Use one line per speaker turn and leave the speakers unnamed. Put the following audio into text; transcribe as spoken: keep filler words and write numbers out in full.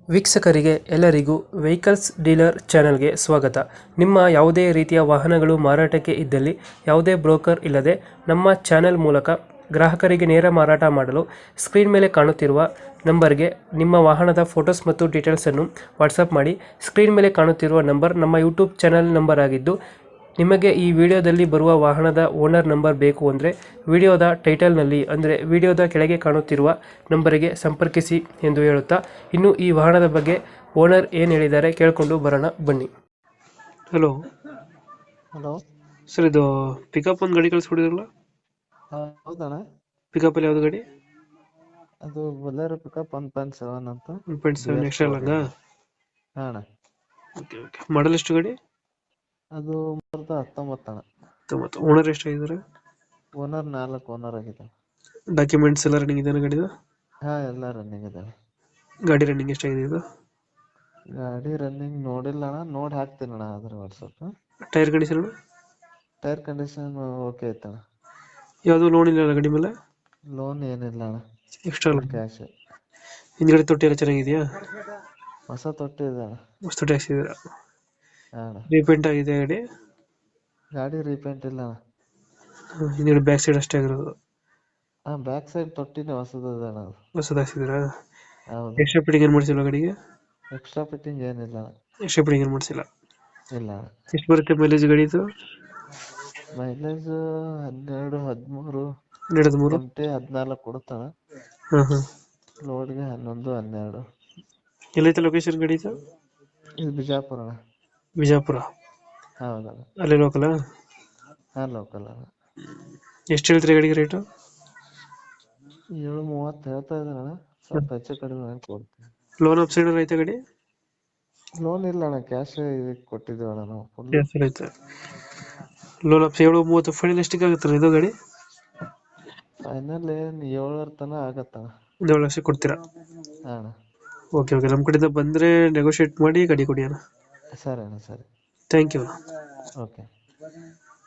ವೀಕ್ಷಕರಿಗೆ ಎಲ್ಲರಿಗೂ vehicles dealer ಚಾನೆಲ್ಗೆ ಸ್ವಾಗತ. ನಿಮ್ಮ ಯಾವುದೇ ರೀತಿಯ ವಾಹನಗಳು ಮಾರಾಟಕ್ಕೆ ಇದ್ದಲ್ಲಿ ಯಾವುದೇ ಬ್ರೋಕರ್ ಇಲ್ಲದೆ ನಮ್ಮ ಚಾನೆಲ್ ಮೂಲಕ ಗ್ರಾಹಕರಿಗೆ ನೇರ ಮಾರಾಟ ಮಾಡಲು ಸ್ಕ್ರೀನ್ ಮೇಲೆ ಕಾಣುತ್ತಿರುವ ನಂಬರ್ಗೆ ನಿಮ್ಮ ವಾಹನದ ಫೋಟೋಸ್ ಮತ್ತು ಡೀಟೇಲ್ಸನ್ನು ವಾಟ್ಸಪ್ ಮಾಡಿ. ಸ್ಕ್ರೀನ್ ಮೇಲೆ ಕಾಣುತ್ತಿರುವ ನಂಬರ್ ನಮ್ಮ ಯೂಟ್ಯೂಬ್ ಚಾನೆಲ್ ನಂಬರ್ ಆಗಿದ್ದು, ನಿಮಗೆ ಈ ವಿಡಿಯೋದಲ್ಲಿ ಬರುವ ವಾಹನದ ಓನರ್ ನಂಬರ್ ಬೇಕು ಅಂದರೆ ವಿಡಿಯೋದ ಟೈಟಲ್ನಲ್ಲಿ ಅಂದರೆ ವಿಡಿಯೋದ ಕೆಳಗೆ ಕಾಣುತ್ತಿರುವ ನಂಬರಿಗೆ ಸಂಪರ್ಕಿಸಿ ಎಂದು ಹೇಳುತ್ತಾ, ಇನ್ನು ಈ ವಾಹನದ ಬಗ್ಗೆ ಓನರ್ ಏನು ಹೇಳಿದ್ದಾರೆ ಕೇಳಿಕೊಂಡು ಬರೋಣ ಬನ್ನಿ. ಹಲೋ
ಹಲೋ
ಸರ್, ಇದು ಪಿಕಪ್ ಒಂದು ಗಾಡಿ ಕಳಿಸ್ಕೊಡಿದ್ರಲ್ಲ,
ಹೌದಣ್ಣ.
ಪಿಕಪ್ ಅಲ್ಲಿ ಯಾವ್ದು ಗಾಡಿ?
ಅದು Bolero pickup one point seven ಅಂತ.
ಒನ್ ಪಾಯಿಂಟ್ ಸೆವೆನ್ ಎಕ್ಸ್ಟ್ರಾ ಲಾಂಗ?
ಹಾ ಅಣ್ಣ.
Okay okay. ಮಾಡಲ್ ಎಷ್ಟು ಗಾಡಿ?
ಅದು ಮೂರ್ದ ಹತ್ತೊಂಬತ್ತು ಅಣ್ಣ.
ತೊಂಬತ್ತು. ಓನರ್ ಎಷ್ಟಾಗಿದ್ದಾರೆ?
ಓನರ್ ನಾಲ್ಕು ಓನರ್ ಆಗಿದೆ.
ಡಾಕ್ಯುಮೆಂಟ್ಸ್ ಎಲ್ಲ ರನ್ನಿಂಗ್ ಇದೆ ಗಾಡಿದು?
ಹಾ ಎಲ್ಲ ರನ್ನಿಂಗ್ ಇದೆ.
ಗಾಡಿ ರನ್ನಿಂಗ್ ಎಷ್ಟಾಗಿದೆ ಇದು?
ಗಾಡಿ ರನ್ನಿಂಗ್ ನೋಡಿಲ್ಲ ಅಣ್ಣ, ನೋಡಿ ಹಾಕ್ತೀನಿ ಅಣ್ಣ ಅದ್ರ WhatsApp.
Tyre condition?
Tyre condition okay ಐತಣ್ಣ.
ಯಾವುದು ಲೋನ್ ಇಲ್ಲ ಗಾಡಿ ಮೇಲೆ?
ಲೋನ್ ಏನಿಲ್ಲ ಅಣ್ಣ,
ಎಕ್ಸ್ಟ್ರಾ
ಕ್ಯಾಶ್.
ಹಿಂದ್ಗಡೆ ತೊಟ್ಟಿ ಎಲ್ಲ ಚೆನ್ನಾಗಿದೆಯಾ?
ಹೊಸ ತೊಟ್ಟಿ ಇದೆ ಅಣ್ಣ.
ಹೊಸ ತೊಟ್ಟಿ ಹಾಕ್ಸಿದ್ದೀರಾ?
ಹಾ ಅಣ್ಣ.
ರೀಪೇಂಟ್ ಆಗಿದೆ ಗಾಡಿ?
ಗಾಡಿ ರೀಪೇಂಟ್ ಇಲ್ಲ ಅಣ್ಣ.
ಹಿಂದ್ಗಡೆ ಬ್ಯಾಕ್ ಸೈಡ್ ಅಷ್ಟೇ ಆಗಿರೋದು?
ಹಾ ಬ್ಯಾಕ್ ಸೈಡ್ ತೊಟ್ಟಿನೇ ಹೊಸದಿದೆ ಅಣ್ಣ. ಅದು
ಹೊಸದು ಹಾಕ್ಸಿದ್ದೀರಾ?
ಹೌದು.
ಎಕ್ಸ್ಟ್ರಾ ಫಿಟ್ಟಿಂಗ್ ಏನು ಮಾಡಿಸಿಲ್ಲ ಗಾಡಿಗೆ?
ಎಕ್ಸ್ಟ್ರಾ ಫಿಟ್ಟಿಂಗ್ ಏನಿಲ್ಲ ಅಣ್ಣ.
ಎಕ್ಸ್ಟ್ರಾ ಫಿಟ್ಟಿಂಗ್ ಏನು ಮಾಡಿಸಿಲ್ಲ?
ಇಲ್ಲ ಅಣ್ಣ.
ಎಷ್ಟು ಬರುತ್ತೆ ಮೈಲೇಜ್ ಗಾಡಿದು?
ಮೈಲೇಜ್ ಹನ್ನೆರಡು ಹದಿಮೂರು
ಹನ್ನೆರಡು ಮೂರು
ಎಮ್ ಟಿ ಹದಿನಾಲ್ಕು ಕೊಡುತ್ತಾನ.
ಹಾಂ ಹಾಂ.
ಲೋಡ್ಗೆ ಹನ್ನೊಂದು ಹನ್ನೆರಡು.
ಎಲ್ಲೈತೆ ಲೊಕೇಶನ್ ಗಾಡಿ ಇದು?
ಇದು ಬಿಜಾಪುರ ಅಣ್ಣ.
ಬಿಜಾಪುರ?
ಹೌದಣ್ಣ.
ಅಲ್ಲೇ ಲೋಕಲಾ?
ಹಾ ಲೋಕಲ್ ಅಣ್ಣ.
ಎಷ್ಟು ಹೇಳ್ತೀರಿ ಗಾಡಿಗೆ ರೇಟು?
ಏಳು ಮೂವತ್ತು ಹೇಳ್ತಾ ಇದ್ದಾರಣ್ಣ, ಸ್ವಲ್ಪ ಹೆಚ್ಚು ಕಡಿಮೆ ಮಾಡಿ ಕೊಡ್ತೀನಿ.
ಲೋನ್ ಆಪ್ಷನ್ ಐತೆ ಗಾಡಿ?
ಲೋನ್ ಇಲ್ಲ ಅಣ್ಣ, ಕ್ಯಾಶ್ ಇದಕ್ಕೆ ಕೊಟ್ಟಿದ್ದೀವಿ ಅಣ್ಣ ನಾವು ಫುಲ್.
ಐತೆ. ಲೋನ್ ಆಪ್ಷನ್ ಏಳು ಮೂವತ್ತು ಫೈನಲ್ ಎಷ್ಟಿಗೆ ಆಗುತ್ತೆ ಇದು ಗಾಡಿ?
ಫೈನಲ್ ಏನ್ ಏಳರ ತನ ಆಗತ್ತಣ್ಣ.
ಒಂದು ಏಳು ಲಕ್ಷ ಕೊಡ್ತೀರಾ?
ಹಾ ಅಣ್ಣ.
Okay okay. ನಮ್ಮ ಕಡೆಯಿಂದ ಬಂದರೆ ನೆಗೋಷಿಯೇಟ್ ಮಾಡಿ ಗಾಡಿ ಕೊಡಿ ಅಣ್ಣ.
ಸರಿ ಅಣ್ಣ, ಸರಿ.
Thank you.
ಓಕೆ.